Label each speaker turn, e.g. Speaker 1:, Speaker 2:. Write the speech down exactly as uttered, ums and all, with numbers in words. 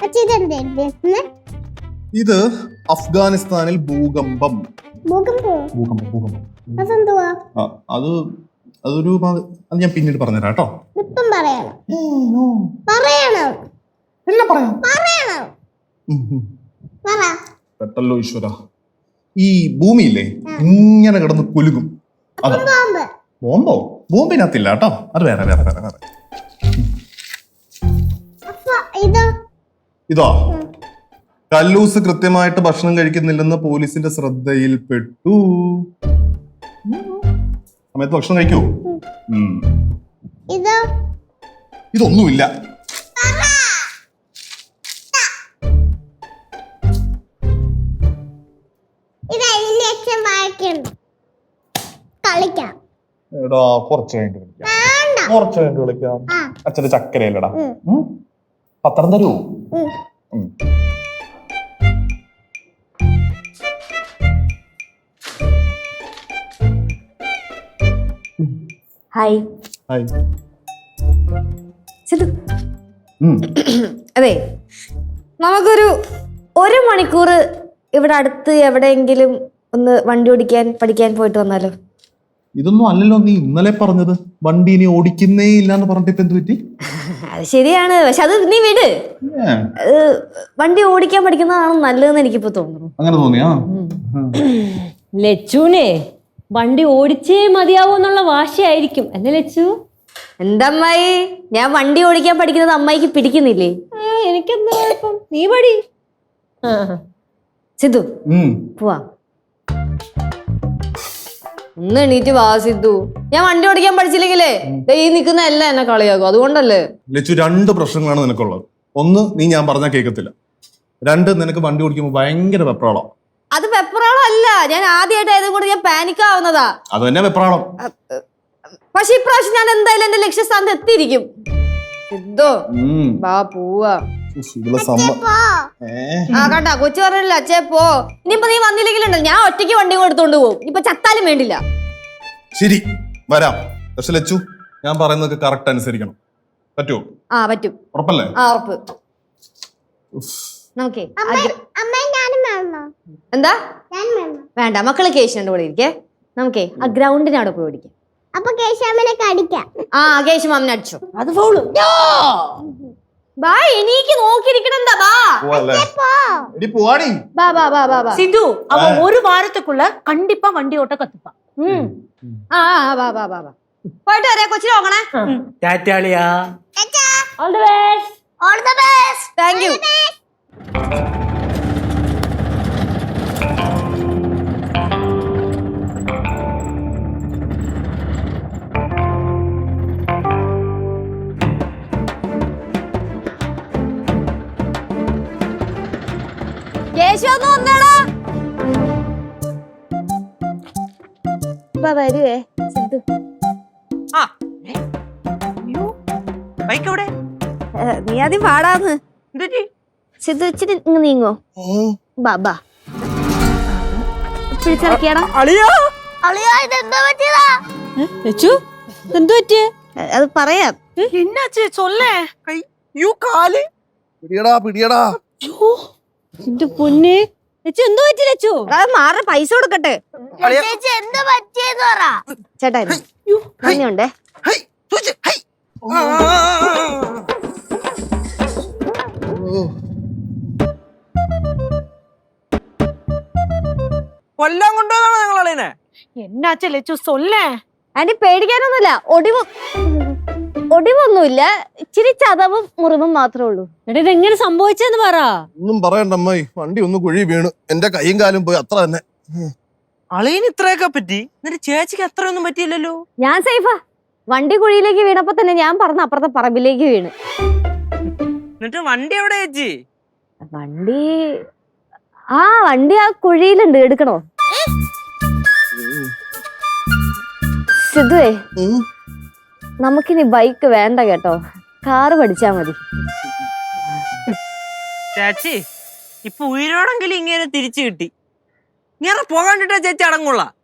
Speaker 1: ഇത് അഫ്ഗാനിസ്ഥാനിൽ ഭൂകമ്പം. അത് അതൊരു അത് ഞാൻ പിന്നീട് പറഞ്ഞുതരാം കേട്ടോ. പെട്ടല്ലോ ഈശ്വര. ഈ ഭൂമിയില്ലേ ഇങ്ങനെ കിടന്ന് കുലുങ്ങും. അതാ ബോംബോ? ബോംബിനകത്തില്ല കേട്ടോ, അത് വേറെ വേറെ വേറെ വേറെ. ഇതോ കല്ലൂസ് കൃത്യമായിട്ട് ഭക്ഷണം കഴിക്കുന്നില്ലെന്ന് പോലീസിന്റെ ശ്രദ്ധയിൽപ്പെട്ടു. സമയത്ത് ഭക്ഷണം കഴിക്കൂ. ഇതൊന്നുമില്ല. എടാ കുറച്ച് കഴിഞ്ഞിട്ട് കളിക്കാം, കുറച്ച് കഴിഞ്ഞിട്ട് കളിക്കാം. അച്ഛന്റെ ചക്കരയല്ലടാ. പത്രം തരൂ.
Speaker 2: ഹായ്.
Speaker 1: ഹായ്.
Speaker 2: അതെ, നമുക്കൊരു ഒരു മണിക്കൂർ ഇവിടെ അടുത്ത് എവിടെയെങ്കിലും ഒന്ന് വണ്ടി ഓടിക്കാൻ പഠിക്കാൻ പോയിട്ട് വന്നാലോ?
Speaker 1: ഇതൊന്നും അല്ലല്ലോ നീ ഇന്നലെ പറഞ്ഞത്. വണ്ടി ഇനി ഓടിക്കുന്നേ ഇല്ലാന്ന് പറഞ്ഞിട്ട് ഇപ്പൊ എന്ത് പറ്റി?
Speaker 2: അത് ശരിയാണ്, പക്ഷെ അത് നീ വിട്. വണ്ടി ഓടിക്കാൻ പഠിക്കുന്നതാണ് നല്ലതെന്ന് എനിക്കിപ്പോ തോന്നുന്നു.
Speaker 1: അങ്ങനെ തോന്നിയാ?
Speaker 3: ലച്ചുനെ വണ്ടി ഓടിച്ചേ മതിയാവോ എന്നുള്ള വാശിയായിരിക്കും അല്ലേ ലച്ചു?
Speaker 2: എന്താ അമ്മായി, ഞാൻ വണ്ടി ഓടിക്കാൻ പഠിക്കുന്നത് അമ്മായിക്ക് പിടിക്കുന്നില്ലേ?
Speaker 3: എനിക്കെന്താ കുഴപ്പം, നീ പടി.
Speaker 2: സിദ്ധു പോവാ. ഒന്ന് എണീറ്റ് വാ സിദ്ധു. ഞാൻ വണ്ടി ഓടിക്കാൻ പഠിച്ചില്ലെങ്കിലേ ഈ നിൽക്കുന്ന എല്ലാം എന്നെ കളിയാക്കും, അതുകൊണ്ടല്ലേ.
Speaker 1: ലച്ചു, രണ്ട് പ്രശ്നങ്ങളാണ് നിനക്കുള്ളത്. ഒന്ന്, നീ ഞാൻ പറഞ്ഞാൽ കേൾക്കത്തില്ല. രണ്ട്, നിനക്ക് വണ്ടി ഓടിക്കുമ്പോൾ ഭയങ്കര വെപ്രാളം.
Speaker 2: അത് വെപ്രാളം അല്ല, ഞാൻ ആദ്യമായിട്ട് ആയതുകൊണ്ട് ഞാൻ പാനിക് ആവുന്നതാ.
Speaker 1: അത് തന്നെ വെപ്രാളം.
Speaker 2: പക്ഷെ ഇപ്രാവശ്യം ഞാൻ എന്തായാലും എന്റെ ലക്ഷ്യസ്ഥാനത്ത് എത്തിയിരിക്കും. സിദ്ധു വാ പോവാ. ആ കണ്ടാ കൊച്ചു പറഞ്ഞില്ല അച്ഛേ പോ. ഇനിയിപ്പോ നീ വന്നില്ലെങ്കിലുണ്ടല്ലോ ഞാൻ ഒറ്റയ്ക്ക് വണ്ടി എടുത്തോണ്ട് പോകും. ഇപ്പൊ ചത്താലും വേണ്ടില്ല.
Speaker 1: ശരി വരാം. പക്ഷെ ലച്ചു, ഞാൻ പറയുന്നത് കറക്റ്റ് അനുസരിക്കണം. പറ്റുമോ?
Speaker 2: ആ പറ്റും.
Speaker 1: ഉറപ്പല്ലേ?
Speaker 2: ആ ഉറപ്പ്. നമുക്കേ എന്താ വേണ്ട, മക്കള് കേശുണ്ട് കൂടെ ഇരിക്കേ. നമുക്കേ ആ ഗ്രൗണ്ടിന് അവിടെ പോയി ഓടിക്കാം.
Speaker 4: അപ്പൊ കേശാമനെ കടിക്കാം. ആ
Speaker 2: കേശു മാമനെ അടിച്ചോ.
Speaker 3: അത് ഫൗള്.
Speaker 2: ബാ എനിക്ക് നോക്കിയിരിക്കണെന്താ. ബാ ബാ ബാ ബാ ബാ ബാ.
Speaker 3: சிந்து அவ ஒரு வாரத்துக்குள்ள கண்டிப்பா வண்டி ஓட்ட கத்துப்பா.
Speaker 2: ம் ആ ബാ ബാ ബാ ബാ. പോയിട്ട് വരാ. കൊച്ചിനെ നോക്കണേ.
Speaker 3: ടാറ്റാളിയാ. All the best.
Speaker 4: All the best.
Speaker 2: Thank you. കേശവൊന്നും വന്നേടാ. വരുവേ സിദ്ധു. നീ ആദ്യം പാടാന്ന്. സിദ്ധു ഇച്ചിരി ഇങ്ങ് നീങ്ങോ. ബാബാ പിടിച്ചിറക്കിയാടാ. അത് പറയാം. മാറ പൈസ കൊടുക്കട്ടെ. ചേട്ടാ ഉണ്ടേ.
Speaker 5: കൊല്ലാൻ കൊണ്ടുപോകാണോ നിങ്ങളെ?
Speaker 3: എന്നാച്ചു ലച്ചു സൊല്ലേ.
Speaker 2: അതിന് പേടിക്കാനൊന്നുമില്ല. ഒടിവ് ഒടിവൊന്നുമില്ല, ഇച്ചിരി ചതവും മുറിവും മാത്രമേ ഉള്ളൂ.
Speaker 3: എടാ ഇതെങ്ങനെ സംഭവിച്ചെന്ന് പറ.
Speaker 1: ഒന്നും പറയണ്ട അമ്മായി, വണ്ടി ഒന്ന് കുഴി വീണ് എന്റെ കൈയും കാലും പോയി, അത്ര തന്നെ.
Speaker 5: അളിയന് ഇത്രയൊക്കെ പറ്റി, എന്നിട്ട് ചേച്ചിക്ക് അത്രയൊന്നും പറ്റിയില്ലല്ലോ.
Speaker 2: ഞാൻ സേഫാ. വണ്ടി കുഴിയിലേക്ക് വീണപ്പോ തന്നെ ഞാൻ പറന്ന് അപ്പുറത്തെ പറമ്പിലേക്ക് വീണ്.
Speaker 5: എന്നിട്ട് വണ്ടി എവിടെ ചേച്ചി?
Speaker 2: വണ്ടി ആ വണ്ടി ആ കുഴിയിലുണ്ട്. എടുക്കണോ? സിദ്ധുവേ, നമുക്കിനി ബൈക്ക് വേണ്ട കേട്ടോ, കാറ് പഠിച്ചാ മതി.
Speaker 5: ചേച്ചി ഇപ്പൊ ഉയരോടെങ്കിലും ഇങ്ങനെ തിരിച്ചു കിട്ടി. ഇങ്ങനെ പോകാണ്ടിട്ടാ ചേച്ചി അടങ്ങുള്ള.